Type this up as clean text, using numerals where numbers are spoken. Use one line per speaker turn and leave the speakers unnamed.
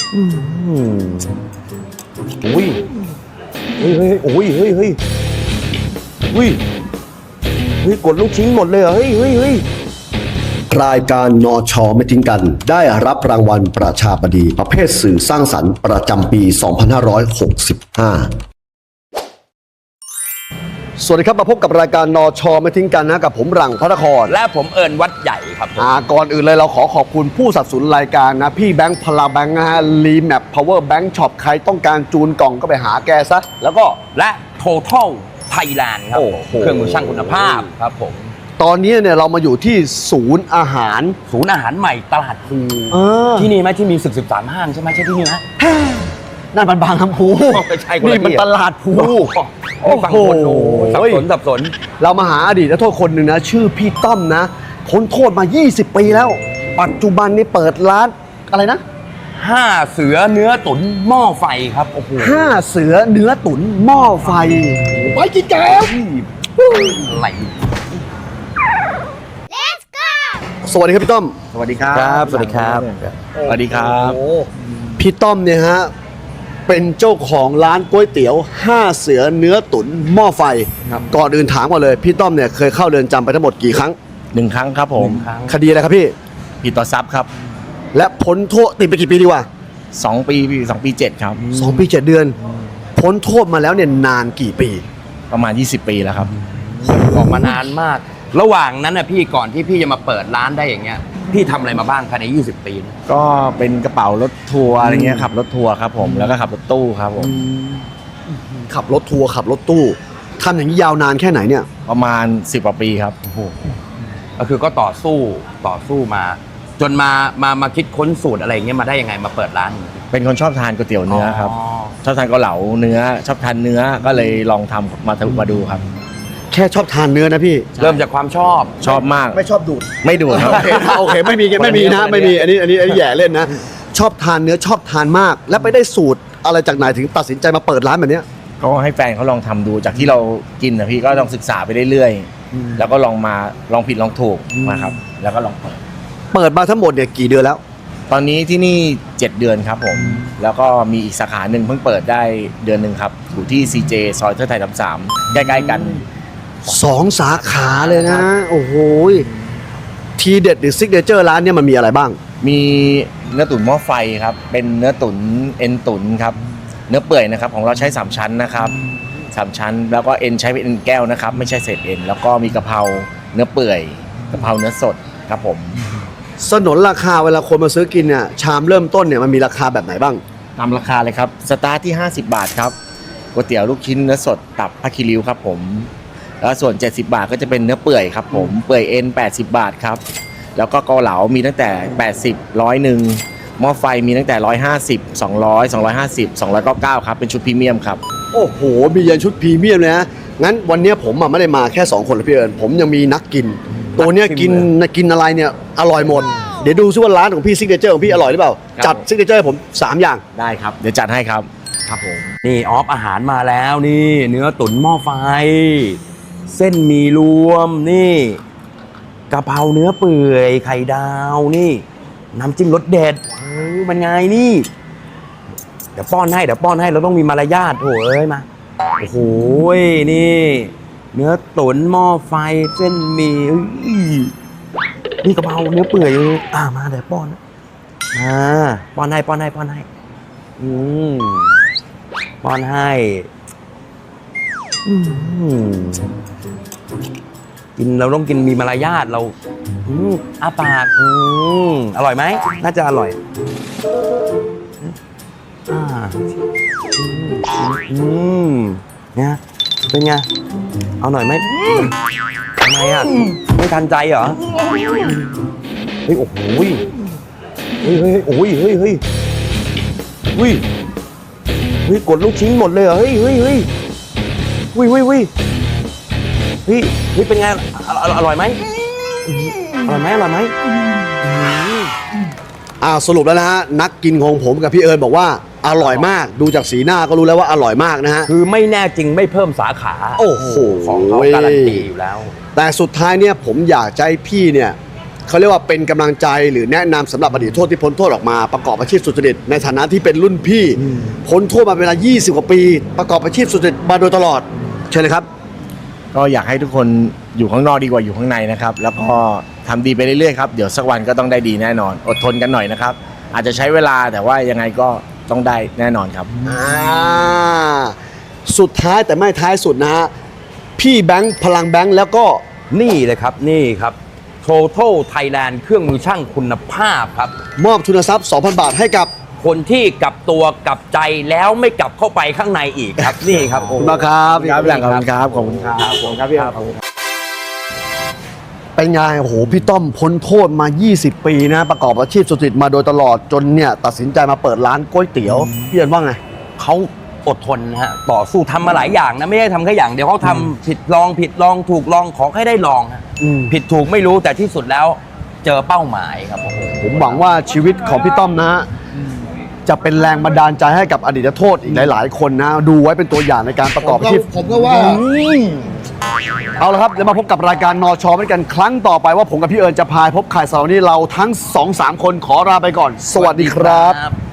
อุ้ยเฮ้ยโอ้ยเฮ้ยกดลูกชิ้นหมดเลยเหรอเฮ้ย
รายการนชไม่ทิ้งกันได้รับรางวัลประชาบดีประเภทสื่อสร้างสรรค์ประจำปี 2565 สวัสดีครับมาพบกับรายการนชไม่ทิ้งกันนะกับผมหลังพระนคร
และผมเอิญวัดใหญ่ครับผม
ก่อนอื่นเลยเราขอขอบคุณผู้สนับสนุนรายการนะพี่แบงค์พลาแบงค์นะฮะรีแมปพาวเวอร์แบงค์ช็อปใครต้องการจูนกล่องก็ไปหาแกซะแล้วก็
และ Total Thailand ครับผมเครื่องมือช่างคุณภาพครับผม
ตอนนี้เนี่ยเรามาอยู่ที่ศูนย์อาหาร
ใหม่ตลาดภูที่นี่ไหมที่มีศึก13 ห้างใช่ไหมใช่ที่นี่ไหม
นั่นมันบางลำพู
ไม่ใช่
นี่มันตลาดภู
โอ้โหสับสน
เรามาหาอดีตนักโทษคนหนึ่งนะชื่อพี่ต้อมนะพ้นโทษมา20 ปีแล้วปัจจุบันนี้เปิดร้านอะไรนะ
5 เสือเนื้อตุ๋นหม้อไฟครับโอ้โห
5 เสือเนื้อตุ๋นหม้อไฟไปกินแกง
อะไร
สวัสดีครับพี่ต้อม
สวัสดีครับสวัสดีครับ
พี่ต้อมเนี่ยฮะเป็นเจ้าของร้านก๋วยเตี๋ยว5 เสือเนื้อตุ๋นหม้อไฟก่อนอื่นถามก่อนเลยพี่ต้อมเนี่ยเคยเข้าเรือนจำไปทั้งหมดกี่ครั้ง
1 ครั้งครับผม
คดีอะไรครับพี่
ผิดต่อทรัพย์ครับ
และพ้นโทษติดไปกี่ปีดีกว่า
2 ปี2 ปี 7ครับ
2 ปี 7 เดือนพ้นโทษมาแล้วเนี่ยนานกี่ปี
ประมาณ20 ปีแล้วครับ
ออกมานานมากระหว่างนั้นนะพี่ก่อนที่พี่จะมาเปิดร้านได้อย่างเงี้ยพี่ทำอะไรมาบ้างภายใน20 ปี
ก็เป็นกระเป๋ารถทัวร์อะไรเงี้ยขับรถทัวร์ครับผมแล้วก็ขับรถตู้ครับผม
ขับรถทัวร์ขับรถตู้ทำอย่างนี้ยาวนานแค่ไหนเนี่ย
ประมาณ10 กว่าปีครับ
ก็คือก็ต่อสู้มาจนมาคิดค้นสูตรอะไรเงี้ยมาได้ยังไงมาเปิดร้าน
เป็นคนชอบทานก๋วยเตี๋ยวเนื้อครับชอบทานเกาเหลาเนื้อชอบทานเนื้อก็เลยลองทำมาดูครับ
แค่ชอบทานเนื้อนะพี่
เริ่มจากความช
อบมาก
ไม่ชอบดูด
ไม่ดูดครับ
โอเคไม่มีนะไม่มีอันนี้แย่เล่นนะชอบทานเนื้อชอบทานมากแล้วไปได้สูตรอะไรจากไหนถึงตัดสินใจมาเปิดร้านแบบนี้
ก็ให้แฟนเขาลองทำดูจากที่เรากินนะพี่ก็ลองศึกษาไปเรื่อยๆแล้วก็ลองผิดลองถูกมาครับแล้วก็ลอง
เปิดมาทั้งหมดเนี่ยกี่เดือนแล้ว
ตอนนี้ที่นี่7 เดือนครับผมแล้วก็มีอีกสาขาหนึ่งเพิ่งเปิดได้เดือนหนึ่งครับอยู่ที่ CJ ซอยเทิดไทย33ใกล้ๆกัน
2 สาขาเลยนะโอ้โหทีเด็ดหรือซิกเนเจอร์ร้านเนี่ยมันมีอะไรบ้าง
มีเนื้อตุ๋นหม้อไฟครับเป็นเนื้อตุ๋นเอ็นตุ๋นครับเนื้อเปื่อยนะครับของเราใช้3 ชั้นนะครับ3 ชั้นแล้วก็เอ็นใช้เป็นเอ็นแก้วนะครับไม่ใช่เศษเอ็นแล้วก็มีกะเพราเนื้อเปื่อยกะเพราเนื้อสดครับผม
สนนราคาเวลาคนมาซื้อกินเนี่ยชามเริ่มต้นเนี่ยมันมีราคาแบบไหนบ้าง
ตามราคาเลยครับสตาร์ทที่50 บาทครับก๋วยเตี๋ยวลูกชิ้นเนื้อสดตับผ้าคีริ้วครับผมแล้วส่วน70 บาทก็จะเป็นเนื้อเปื่อยครับผมเปื่อยเอ็น80 บาทครับแล้วก็เกาเหลามีตั้งแต่80 100หม้อไฟมีตั้งแต่150 200 250 299ครับเป็นชุดพรีเมียมครับ
โอ้โหมียันชุดพรีเมียมเลยนะงั้นวันนี้ผมไม่ได้มาแค่2 คนเลยพี่เอิญผมยังมีนักกินตัวเนี้ยกินอะไรเนี่ยอร่อยหมดเดี๋ยวดูซิว่าร้านของพี่ซิกเนเจอร์ของพี่อร่อยหรือเปล่าจัดซิกเนเจอร์ให้ผม3 อย่าง
ได้ครับเดี๋ยวจัดให้ครับ
ครับผมนี่ออฟอาหารมาแล้วนี่เนื้อตุ๋นหม้อไฟเส้นหมี่รวมนี่กะเพราเนื้อเปื่อยไข่ดาวนี่น้ำจิ้มรสเด็ดมันไงนี่เดี๋ยวป้อนให้เราต้องมีมารยาทโถ่เอ้ยมาโอ้โหนี่เนื้อตุ๋นหม้อไฟเส้นหมี่นี่กะเพราเนื้อเปื่อยมาเดี๋ยวป้อนให้ป้อนให้ป้อนให้กินเราต้องกินมีมารยาทเราอ้าปากอร่อยไหมน่าจะอร่อยเนี่ยเป็นไงเอาหน่อยไหมทำไมอ่ะไม่ทันใจเหรอเฮ้ยโอ้โหเฮ้ยกดลูกชิ้นหมดเลยเหรอเฮ้ยเป็นไงอร่อยไหม
สรุปแล้วนะฮะนักกินของผมกับพี่เอิญบอกว่าอร่อยมากดูจากสีหน้าก็รู้แล้วว่าอร่อยมากนะฮะ
คือไม่แน่จริงไม่เพิ่มสาขา
โอ้โห
ของเขาการันตีอยู่แล้ว
แต่สุดท้ายเนี่ยผมอยากจะให้พี่เนี่ยเขาเรียกว่าเป็นกำลังใจหรือแนะนำสำหรับอดีตโทษที่พ้นโทษออกมาประกอบอาชีพสุจริตในฐานะที่เป็นรุ่นพี่พ้นโทษมาเวลา 20 กว่าปี ประกอบอาชีพสุจริตมาโดยตลอดเชิญเลยครับ
ก็อยากให้ทุกคนอยู่ข้างนอกดีกว่าอยู่ข้างในนะครับ แล้วก็ทำดีไปเรื่อยๆครับเดี๋ยวสักวันก็ต้องได้ดีแน่นอน อดทนกันหน่อยนะครับ อาจจะใช้เวลาแต่ว่ายังไงก็ต้องได้แน่นอนครับ
สุดท้ายแต่ไม่ท้ายสุดนะฮะพี่แบงค์พลังแบงค์แล้วก็
นี่เลยครับนี่ครับ Total Thailand เครื่องมือช่างคุณภาพครับ
มอบทุนทรัพย์ 2,000 บาทให้กับ
คนที่กลับตัวกลับใจแล้วไม่กลับเข้าไปข้างในอีกครับ นี่ครับ
ขอบคุณมากครับ
ครับพี่หลังขอบคุณครับขอบคุณครับขอบคุณครับพี่ครับ
เป็นไงโอ้โหพี่ต้อมพ้นโทษมา 20 ปีนะประกอบอาชีพสุจริตมาโดยตลอดจนเนี่ยตัดสินใจมาเปิดร้านก๋วยเตี๋ยวพี่เอิญว่าไง
เขาอดทนนะฮะต่อสู้ทำมาหลายอย่างนะไม่ได้ทำแค่อย่างเดียวเขาทำผิดลองถูกลองขอให้ได้ลองฮะ
อืม
ผิดถูกไม่รู้แต่ที่สุดแล้วเจอเป้าหมายครับโอ้โห
ผมหวังว่าชีวิตของพี่ต้อมนะฮะจะเป็นแรงบันดาลใจให้กับอดีตโทษอีกหลาย ๆ คนนะดูไว้เป็นตัวอย่างในการประกอบอาชีพ
ผมก็ว่า
เอาละครับเดี๋ยวมาพบกับรายการนอชอด้วยกันครั้งต่อไปว่าผมกับพี่เอิญจะพายพบข่ายเสาร์นี้เราทั้ง 2-3 คนขอลาไปก่อน สวัสดีครับ
ครับ